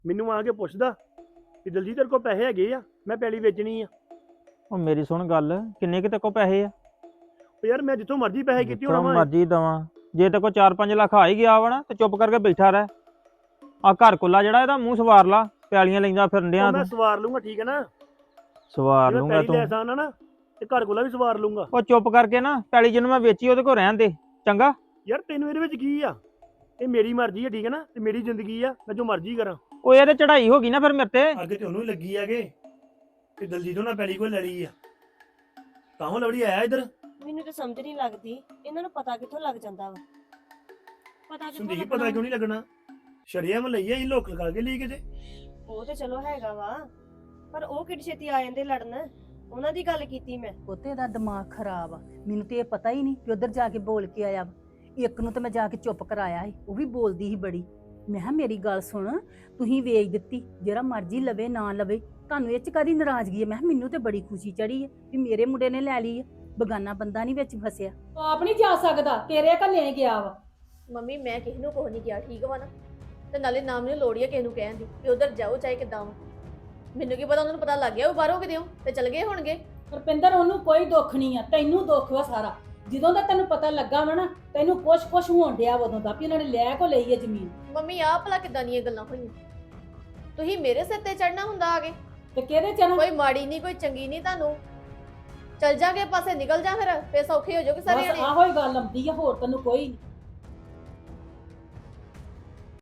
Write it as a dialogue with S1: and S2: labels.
S1: ਮੈਨੂੰ ਆ ਕੇ ਪੁੱਛਦਾ ਕਿ ਦਲਜੀਤ ਤੇਰੇ ਕੋਲ ਪੈਸੇ ਹੈਗੇ ਆ, ਮੈਂ ਪੈਲੀ ਵੇਚਣੀ ਆ।
S2: ਉਹ ਮੇਰੀ ਸੁਣ ਗੱਲ, ਕਿੰਨੇ ਕਿਤੇ ਕੋ ਪੈਸੇ ਆ?
S1: ਉਹ ਯਾਰ ਮੈਂ ਜਿੱਥੋਂ ਮਰਜ਼ੀ ਪੈਸੇ ਕੀਤੀ
S2: ਜਿੱਥੋਂ
S1: ਹੋਣਾ ਵਾ।
S2: ਮਰਜ਼ੀ ਦਵਾਂ, ਜੇ ਤੇ ਕੋ 4-5 ਲੱਖ ਆ ਹੀ ਗਿਆ ਵਾ ਨਾ ਤੇ ਚੁੱਪ ਕਰਕੇ ਬੈਠਾ ਰਹਿ। ਆ ਘਰ ਕੁੱਲਾ ਜਿਹੜਾ ਇਹਦਾ ਮੂੰਹ ਸਵਾਰ ਲਾ, ਪਿਆਲੀਆਂ ਲੈਂਦਾ ਫਿਰਨ ਡਿਆ
S1: ਉਹ ਮੈਂ
S2: ਤੂੰ।
S1: ਸਵਾਰ ਲੂੰਗਾ, ਠੀਕ ਹੈ ਨਾ?
S2: ਸਵਾਰ
S1: ਜੇ ਮੈਂ
S2: ਲੂੰਗਾ
S1: ਪੈਲੀ
S2: ਤੂੰ।
S1: ਲੈ ਸਾਂ ਨਾ ਤੇ ਘਰ ਕੋਲਾ ਵੀ ਸਵਾਰ ਲੂੰਗਾ।
S2: ਉਹ ਚੁੱਪ ਕਰਕੇ ਨਾ ਪੈਲੀ ਜਿਹਨੂੰ ਮੈਂ ਵੇਚੀ ਉਹਦੇ ਕੋਲ ਰਹਿਣ ਦੇ, ਚੰਗਾ?
S1: ਯਾਰ ਤੈਨੂੰ ਇਹਦੇ ਵਿੱਚ ਕੀ ਆ? ਇਹ ਮੇਰੀ ਮਰਜ਼ੀ ਆ, ਠੀਕ ਹੈ ਨਾ? ਤੇ ਮੇਰੀ ਜ਼ਿੰਦਗੀ ਆ, ਮੈਂ ਜੋ ਮਰਜ਼ੀ ਕਰਾਂ।
S2: ਉਹ ਇਹ ਤੇ ਚੜਾਈ ਹੋ ਗਈ ਨਾ ਫਿਰ ਮੇਰੇ ਤੇ।
S1: ਅੱਗੇ ਤੇ ਉਹਨੂੰ ਹੀ ਲੱਗੀ ਆਗੇ ਕਿ ਦਲਜੀਤ ਨਾਲ ਪੈਲੀ ਕੋਈ ਲੈ ਲਈ ਆ, ਤਾਂ ਉਹ ਲਵੜੀ ਆਇਆ ਇੱਧਰ।
S3: ਮੈਨੂੰ ਤਾਂ ਸਮਝ ਨਹੀਂ ਲੱਗਦੀ ਇਹਨਾਂ ਨੂੰ ਪਤਾ ਕਿੱਥੋਂ ਲੱਗ ਜਾਂਦਾ ਵਾ। ਪਤਾ ਕਿੱਥੋਂ
S1: ਸੰਦੀਪ
S3: ਲੱਗਣਾ?
S1: ਪਤਾ ਕਿਉਂ ਨਹੀਂ ਲੱਗਣਾ? ਸ਼ਰੀਆਮ ਲਈ ਆ, ਅਸੀਂ ਲੋਕ ਲਗਾ ਕੇ ਲਈ ਕਿਤੇ।
S3: ਉਹ ਤੇ ਚਲੋ ਹੈਗਾ ਵਾ, ਪਰ ਉਹ ਕਿੱਡੀ ਛੇਤੀ ਆ ਜਾਂਦੇ ਲੜਨ। ਉਹਨਾਂ ਦੀ ਗੱਲ ਕੀਤੀ ਮੈਂ।
S4: ਪੁੱਤੇ ਦਾ ਦਿਮਾਗ ਖਰਾਬ ਆ। ਮੈਨੂੰ ਤੇ ਇਹ ਪਤਾ ਹੀ ਨਹੀਂ ਕਿ ਉਧਰ ਜਾ ਕੇ ਬੋਲ ਕੇ ਆਇਆ ਵਾ। ਇੱਕ ਨੂੰ ਤਾਂ ਮੈਂ ਜਾ ਕੇ ਚੁੱਪ ਕਰਾਇਆ ਸੀ, ਉਹ ਵੀ ਬੋਲਦੀ ਸੀ ਬੜੀ। ਮੈਂ ਕਿਹਾ ਮੇਰੀ ਗੱਲ ਸੁਣ, ਤੁਸੀਂ ਵੇਚ ਦਿੱਤੀ, ਜਿਹੜਾ ਮਰਜ਼ੀ ਲਵੇ ਨਾ ਲਵੇ, ਤੁਹਾਨੂੰ ਇਹ ਚ ਕਾਹਦੀ ਨਾਰਾਜ਼ਗੀ ਹੈ? ਮੈਂ ਕਿਹਾ ਮੈਨੂੰ ਤੇ ਬੜੀ ਖੁਸ਼ੀ ਚੜੀ ਹੈ ਕਿ ਮੇਰੇ ਮੁੰਡੇ ਨੇ ਲੈ ਲਈ ਹੈ, ਬਗਾਨਾ ਬੰਦਾ ਨਹੀਂ ਵਿੱਚ ਫਸਿਆ।
S5: ਉਹ ਆਪ ਨਹੀਂ ਜਾ ਸਕਦਾ, ਤੇਰੇ ਘੱਲੇ ਗਿਆ ਵਾ।
S6: ਮੰਮੀ ਮੈਂ ਕਿਸੇ ਨੂੰ ਕੁਝ ਨਹੀਂ ਕਿਹਾ, ਠੀਕ ਵਾ ਨਾ? ਤੇ ਨਾਲੇ ਨਾ ਮੈਨੂੰ ਲੋੜ ਹੀ ਆ ਕਿਸੇ ਨੂੰ ਕਹਿਣ ਦੀ ਕਿ ਉਧਰ ਜਾਓ ਚਾਹੇ ਕਿੱਦਾਂ ਵਾ। ਮੈਨੂੰ ਕੀ ਪਤਾ, ਉਹਨਾਂ ਨੂੰ ਪਤਾ ਲੱਗ ਗਿਆ ਉਹ ਬਾਹਰੋਂ ਕਿਤੇ ਤੇ ਚਲ ਗਏ ਹੋਣਗੇ।
S5: ਰੁਪਿੰਦਰ ਉਹਨੂੰ ਕੋਈ ਦੁੱਖ ਨਹੀਂ ਆ, ਤੈਨੂੰ ਦੁੱਖ ਵਾ ਸਾਰਾ। ਜਦੋਂ ਦਾ ਤੈਨੂੰ ਪਤਾ ਲੱਗਾ ਵਾ ਨਾ, ਤੈਨੂੰ ਕੁਛ ਹੋਣ ਡਿਆ ਉਦੋਂ ਦਾ ਵੀ ਉਹਨਾਂ ਨੇ ਲੈ ਕੋ ਲਈ ਹੈ ਜ਼ਮੀਨ।
S6: ਮੰਮੀ ਆਹ ਭਲਾ ਕਿੱਦਾਂ ਦੀਆਂ ਗੱਲਾਂ ਹੋਈਆਂ? ਤੁਸੀਂ ਮੇਰੇ ਸਿਰ ਤੇ ਚੜਨਾ ਹੁੰਦਾ ਆਗੇ।
S5: ਤੇ ਕਿਹਦੇ ਚ ਨਾ
S6: ਕੋਈ ਮਾੜੀ ਨਹੀਂ ਕੋਈ ਚੰਗੀ ਨਹੀਂ ਤੁਹਾਨੂੰ। ਚਲ ਜਾਗੇ ਪਾਸੇ ਨਿਕਲ ਜਾ, ਫਿਰ ਸੌਖੇ ਹੋ ਜਾਓਗੇ ਸਾਰੇ
S5: ਬਸ
S6: ਜਣੇ।
S5: ਆਹੋ ਹੀ ਗੱਲ ਆਉਂਦੀ ਆ, ਹੋਰ ਤੈਨੂੰ ਕੋਈ ਨਹੀਂ।